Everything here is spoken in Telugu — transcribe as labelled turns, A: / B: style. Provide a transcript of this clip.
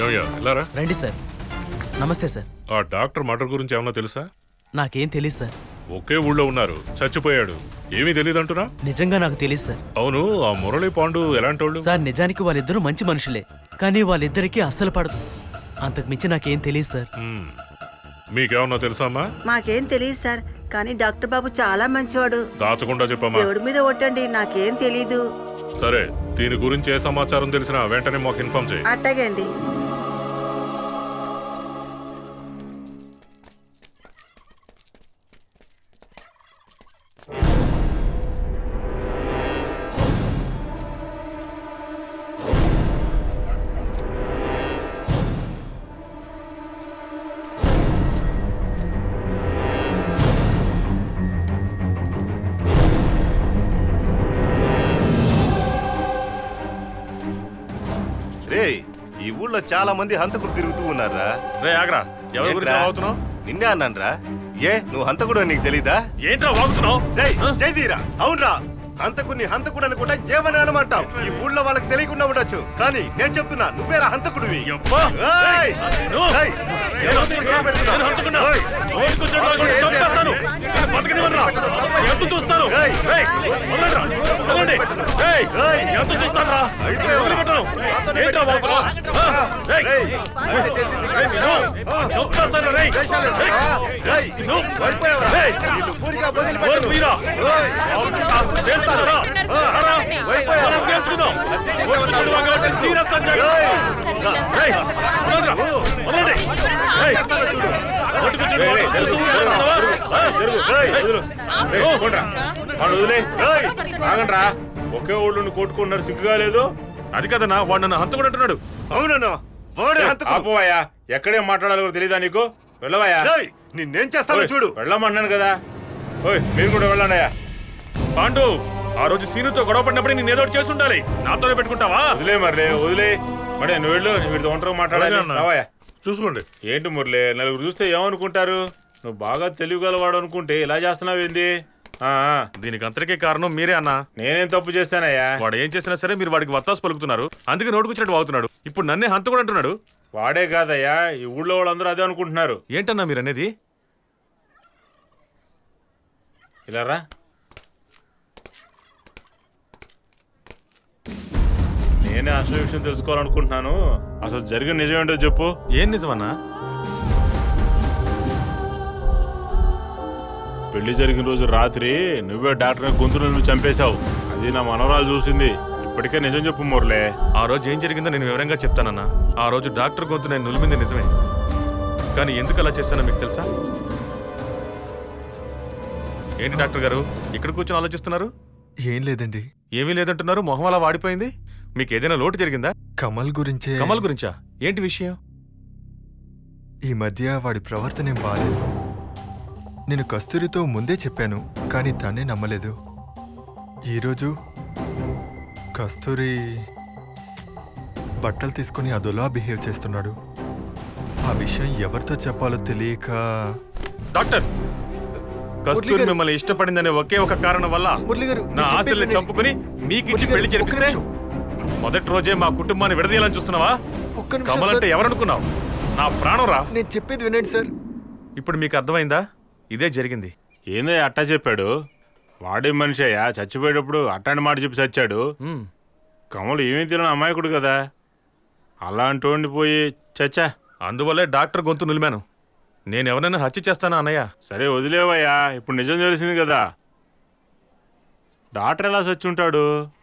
A: ఏమయ్యా ఇలారా.
B: రండి సార్. నమస్తే సార్.
A: ఆ డాక్టర్ మర్డర్ గురించి ఏమన్నా తెలుసా?
B: నాకేం తెలియదు సార్.
A: ఒకే ఊళ్ళో ఉన్నారు, చచ్చిపోయాడు. ఏమీ తెలియదు అంటున్నా?
B: నిజంగా నాకు తెలియదు సార్.
A: అవును, ఆ మురళి పాండు ఎలాంటి వాళ్ళు?
B: సార్ నిజానికి వాళ్ళిద్దరూ మంచి మనుషులే, కానీ వాళ్ళిద్దరికీ అస్సలు పడదు. అంతకు మించి నాకేం తెలియదు సార్.
A: మీకేమన్నా తెలుసా అమ్మా?
C: మాకేం తెలియదు సార్, కానీ డాక్టర్ బాబు చాలా మంచివాడు.
A: దాచకుండా చెప్పమ్మా.
C: దేవుడి మీద ఒట్టండి, నాకేం తెలీదు.
A: సరే, దీని గురించి ఏ సమాచారం తెలిసినా వెంటనే మాకు ఇన్ఫార్మ్ చేయి.
C: అట్టగే అండి.
D: ఈ ఊళ్ళో చాలా మంది హంతకులు తిరుగుతూ ఉన్నారా?
E: రే ఆగ్రా, ఎవరి గురించి వాగుతున్నావు?
D: నిన్నే అన్నానరా. ఏ నువ్వు హంతకుడు నీకు తెలీదా?
E: ఏంట్రా వాగుతున్నావు?
D: జైదీరా, అవునరా, హంతకుడిని హంతకుడు అనుకుంటా ఏమని అనమంటావు? ఈ ఊళ్ళో వాళ్ళకి తెలియకుండా ఉండొచ్చు, కానీ నేను చెప్తున్నా నువ్వేరా హంతకుడివి.
E: ఒకే ఊళ్ళో కొట్టుకున్నారు, సిగ్గుగా లేదు? అది కదన్నా, వాడు నన్ను హంతకుడు అంటున్నాడు.
D: అవునన్నా,
E: ఆపోవయ్యా, ఎక్కడే మాట్లాడాలో కూడా తెలీదా నీకు? వెళ్ళవయ్యా.
D: నిన్నేం చేస్తాను చూడు.
E: వెళ్ళమన్నాను కదా. ఓయ్ మీరు కూడా వెళ్ళండి అయ్యా. పాండు, ఆ రోజు సీనుతో గొడవ పడినప్పుడు నేను ఏదో చేసి ఉండాలి, నాతోనే పెట్టుకుంటావా? వదిలే మరలే, వదిలే. మరి నువ్వు వెళ్ళు, వీటితో ఒంటరిగా మాట్లాడాలి.
A: చూసుకోండి.
E: ఏంటి మురళి, నలుగురు చూస్తే ఏమనుకుంటారు? నువ్వు బాగా తెలివిగలవాడు అనుకుంటే ఇలా చేస్తున్నావు ఏంది? దీనికి అంతరికే కారణం మీరే అన్నా. నేనేం తప్పు చేస్తానయ్యా? వాడు ఏం చేసినా సరే మీరు వాడికి వత్తాసు పలుకుతున్నారు, అందుకే నోటుకొచ్చినట్టు వాగుతున్నాడు. ఇప్పుడు నన్నే హంతకుడు అంటున్నాడు. వాడే కాదయ్యా, ఈ ఊళ్ళో వాళ్ళందరూ అదే అనుకుంటున్నారు. ఏంటన్నా మీరు అనేది? ఇలా రా. నేనే అసలు విషయం తెలుసుకోవాలనుకుంటున్నాను. అసలు జరిగిన నిజం ఏంటో చెప్పు. ఏం నిజమన్నా? పెళ్లి జరిగిన రోజు రాత్రి నువ్వే డాక్టర్ గొంతును నువ్వు చంపేశావు. అది నా మనవరాలు చూసింది. ఇప్పటికే నిజం చెప్పు మురళే. ఆ రోజు ఏం జరిగిందో నేను వివరంగా చెప్తానన్నా. ఆ రోజు డాక్టర్ గొంతు నేను నులిమింది నిజమే, కానీ ఎందుకు అలా చేశానో మీకు తెలుసా? ఏంటి డాక్టర్ గారు ఇక్కడ కూర్చొని ఆలోచిస్తున్నారు?
F: ఏం లేదండి.
E: ఏమీ లేదంటున్నారు, మొహం అలా వాడిపోయింది. మీకు ఏదైనా లోటు జరిగిందా?
F: కమల్ గురించే.
E: కమల్ గురించా? ఏంటి విషయం?
F: ఈ మధ్య వాడి ప్రవర్తన ఏం బాలేదు. నేను కస్తూరితో ముందే చెప్పాను, కానీ తనే నమ్మలేదు. ఈరోజు కస్తూరి బట్టలు తీసుకుని అదోలా బిహేవ్ చేస్తున్నాడు. ఆ విషయం ఎవరితో చెప్పాలో తెలియక.
E: డాక్టర్, కస్తూరి మిమ్మల్ని ఇష్టపడిందనే ఒకే ఒక కారణం వల్ల నా ఆశల్ని చంపుకుని మీకు ఇచ్చి పెళ్లి జరిపిస్తే మొదటి రోజే మా కుటుంబాన్ని విడదీయాలని చూస్తున్నావా? కమల్ అంటే ఎవరనుకున్నావు? నా ప్రాణం రా.
F: నేను చెప్పేది వినండి సార్.
E: ఇప్పుడు మీకు అర్థమైందా? ఇదే జరిగింది. ఏందో అట్టా చెప్పాడు. వాడే మనిషి అయ్యా, చచ్చిపోయేటప్పుడు అట్టాంటి మాట చెప్పి చచ్చాడు. కమలు ఏమీ తెలియని అమాయకుడు కదా, అలాంటి వండిపోయి చచ్చా. అందువల్లే డాక్టర్ గొంతు నిలిమాను. నేను ఎవరైనా హత్య చేస్తానా అన్నయ్య? సరే వదిలేవయ్యా, ఇప్పుడు నిజం తెలిసింది కదా. డాక్టర్ ఎలా చచ్చుంటాడు?